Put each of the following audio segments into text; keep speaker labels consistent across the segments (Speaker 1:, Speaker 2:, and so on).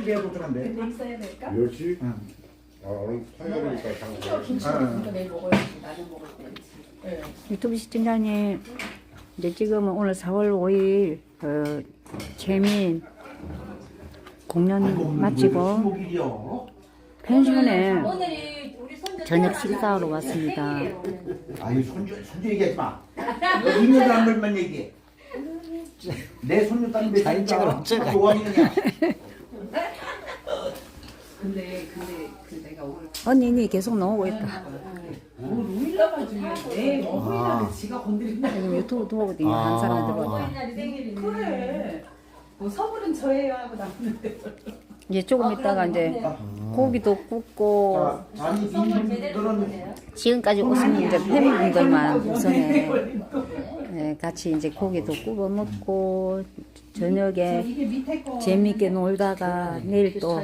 Speaker 1: 멸치 내야 좋던데.
Speaker 2: 근데 있어야 될까?
Speaker 3: 멸치?
Speaker 1: 응.
Speaker 3: 아 오늘 화요일이니까 장사.
Speaker 2: 이거 김치는 내일 먹어야지. 낮에 먹을 때. 네.
Speaker 4: 유튜브 시청자님, 이제 지금은 오늘 4월 5일 재민 공연 마치고
Speaker 1: 목일이요.
Speaker 4: 펜션에
Speaker 2: 오늘이 우리 손주
Speaker 4: 저녁 식사하러 왔습니다.
Speaker 1: 아유 손주 얘기하지 마. 있는 사람들만 얘기해. 내 손주 딸 몇 살인가? 좋아하느냐?
Speaker 2: 근데 내가 오늘
Speaker 4: 언니니 계속 나오고 있다.
Speaker 2: 놀라가지고 내 어머니한테 지가 건드린다.
Speaker 4: 지금 유튜브 보고 있는 한 사람들 보다.
Speaker 2: 어머니날이 생일이네. 그래. 뭐 선물은 저예요 하고 나왔는데.
Speaker 4: 이제 조금 있다가 이제 고기도 굽고
Speaker 1: 아니 이분들은
Speaker 4: 지금까지 오신 이제 팬분들만 우선에 같이 이제 고기도 구워 먹고 저녁에
Speaker 2: 이게 밑에 거.
Speaker 4: 재밌게 놀다가 내일 또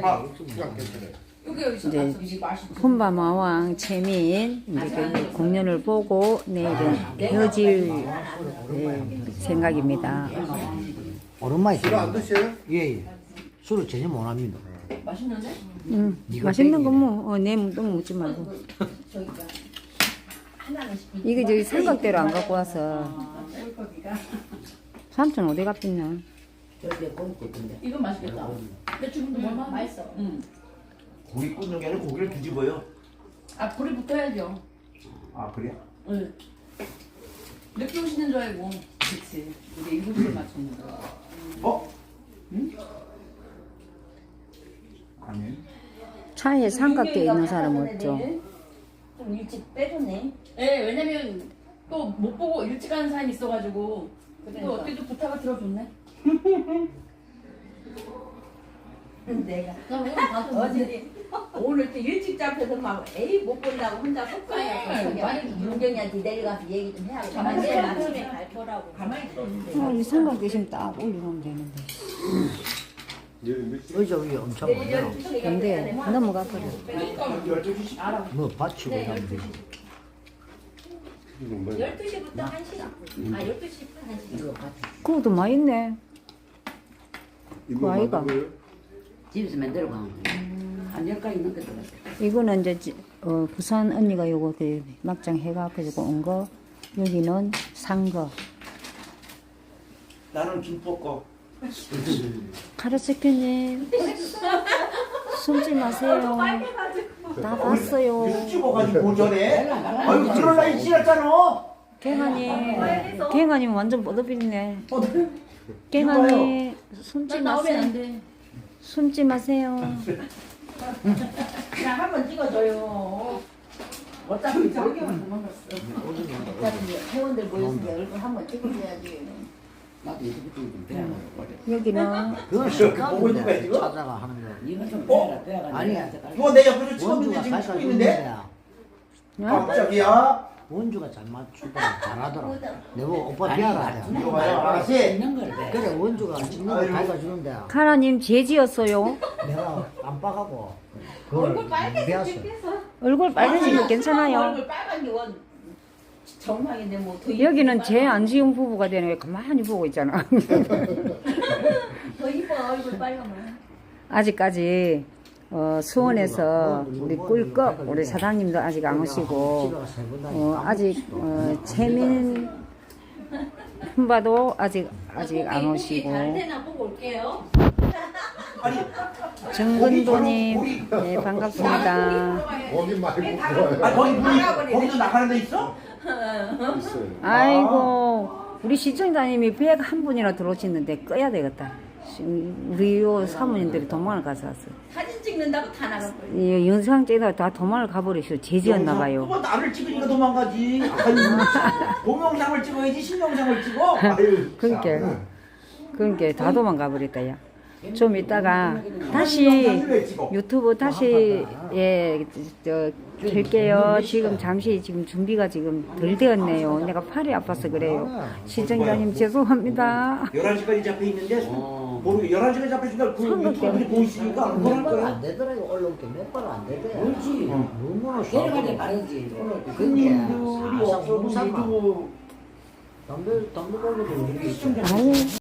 Speaker 4: 이제 혼바마왕 채민 이제 그 공연을 보고 내일은 헤어질 생각입니다.
Speaker 5: 오랜만에
Speaker 3: 술안 드세요?
Speaker 5: 예. 술을 전혀 못 합니다.
Speaker 2: 맛있는데?
Speaker 4: 맛있는 거 뭐 너무 묻지 말고.
Speaker 2: 저기가 하나는
Speaker 4: 이게 저기 삼각대로 안 갖고 와서
Speaker 2: 꿀거기가.
Speaker 4: 삼촌 어디 갔겠냐?
Speaker 2: 이건 맛있겠다. 근데 지금도 얼마나 맛있어. 응.
Speaker 1: 고기 굽는 게 아니라 고기를 뒤집어요.
Speaker 2: 아 불이 붙어야죠.
Speaker 1: 아 그래?
Speaker 2: 응. 늦게 오시는 줄 알고. 그렇지. 우리 7시에 맞췄는데.
Speaker 1: 어? 응? 아니.
Speaker 4: 차에 삼각대 있는 사람 없죠?
Speaker 6: 좀 일찍 빼줬네.
Speaker 2: 네, 왜냐면 또 못 보고 일찍 가는 사람이 있어가지고 또 어떻게 부탁을 들어줬네.
Speaker 6: 내가
Speaker 2: 그럼 가서
Speaker 6: 어제 오늘 또 일찍 잡혀서 막 에이 못 본다고 혼자 속상해서
Speaker 2: 많이
Speaker 6: 윤경이한테 내려가서 얘기 좀 해야겠다.
Speaker 2: 가만히
Speaker 6: 내일
Speaker 2: 있어.
Speaker 6: 아침에 발표라고.
Speaker 2: 가만히 있어.
Speaker 4: 이 삼각대 있으면 딱 올리면 되는데.
Speaker 5: 의자 위에 엄청 많아요.
Speaker 4: 근데 넘어가 버려.
Speaker 2: 그러니까
Speaker 1: 12시
Speaker 5: 뭐 받치고
Speaker 6: 네,
Speaker 5: 하면 되지.
Speaker 6: 12시부터 1시. 아 12시부터 1시.
Speaker 4: 그것도 많이 있네. 그 아이가.
Speaker 7: 집에서 만들어 가. 한 10가지 넘게 들어갔어.
Speaker 4: 이거는 이제 부산 언니가 요거 그 막장 해가지고 온 거. 여기는 산 거.
Speaker 1: 나는 김포
Speaker 4: 카르스큐님 숨지 마세요. 나 봤어요.
Speaker 1: 찍어가지고 고전에. 아유 그럴 나이 지났잖아.
Speaker 4: 갱아님 완전 뻗어비리네. 갱아님 숨지 마세요.
Speaker 2: 안 돼.
Speaker 4: 숨지 마세요.
Speaker 6: 그냥 한번 찍어줘요. 어차피 저기만 도망갔어. 어차피 회원들 모였으니 얼굴 한번 찍어줘야지.
Speaker 7: 나도 유튜브 좀 배워라.
Speaker 4: 여기는
Speaker 5: 그건 습관인데 찾아가 하는 거.
Speaker 7: 이거 좀
Speaker 1: 어?
Speaker 7: 배워라.
Speaker 5: 아니,
Speaker 1: 이거 내 옆에서 찍었는데
Speaker 5: 원주가
Speaker 1: 지금
Speaker 5: 살살
Speaker 1: 찍고 있는데?
Speaker 5: 주는데
Speaker 1: 깜짝이야.
Speaker 5: 원주가 잘 맞추더라. 잘하더라. 내가 오빠 비하라 해.
Speaker 1: 이거 봐요 아가씨.
Speaker 7: 있는 걸 배.
Speaker 5: 그래 원주가 찍는 거 가르쳐 주는데
Speaker 4: 카라님 제지였어요.
Speaker 5: 내가 깜빡하고 그걸 배웠어.
Speaker 4: 얼굴 빨개지면 괜찮아요.
Speaker 6: 얼굴 빨간 게 원. 정상인데 뭐 더
Speaker 4: 여기는 제 안지용 부부가 되는 게 가만히 보고 있잖아.
Speaker 6: 더 이뻐 얼굴 빨가면.
Speaker 4: 아직까지 수원에서 우리 꿀꺽 우리 사장님도 아직 안 오시고 아직 채민 훈바도 아직 안 오시고
Speaker 6: 잘 되나 보고 올게요.
Speaker 4: 정근도님 네 반갑습니다.
Speaker 3: 거기 말고 좋아요.
Speaker 1: 아 거기 물이 거기도 나가는 데 있어?
Speaker 3: 있어요.
Speaker 4: 아이고 우리 시청자님이 101분이나 들어오시는데 꺼야 되겠다. 우리 요 사모님들이 도망을 가서 왔어.
Speaker 6: 사진 찍는다고 다 나가고.
Speaker 4: 이 영상 찍다가 다 도망을 가버리셔. 제지였나 봐요.
Speaker 1: 그거 나를 찍으니까 도망가지. 아유, 동영상을 찍어야지 신영상을 찍어. 아유.
Speaker 4: 그러니까 다 도망가 버렸다 야. 좀 이따가 다시 유튜브 다시 킬게요. 지금 잠시 지금 준비가 지금 덜 되었네요. 내가 팔이 아파서 그래요. 시청자님 죄송합니다.
Speaker 1: 11시까지 잡혀 있는데 모르게 11시까지 잡혀 있으니까 그 유튜브에 보이시니까 안 보낼
Speaker 5: 몇번
Speaker 1: 거야.
Speaker 5: 안 되더라고 올라올 때몇 번 안 되더라.
Speaker 7: 그렇지.
Speaker 5: 너무나
Speaker 7: 내려갈 때
Speaker 5: 쏴.
Speaker 7: 바르지. 올라올 때.
Speaker 5: 그게
Speaker 1: 우리 없어도 유튜브
Speaker 5: 담배 걸고도
Speaker 4: 아유.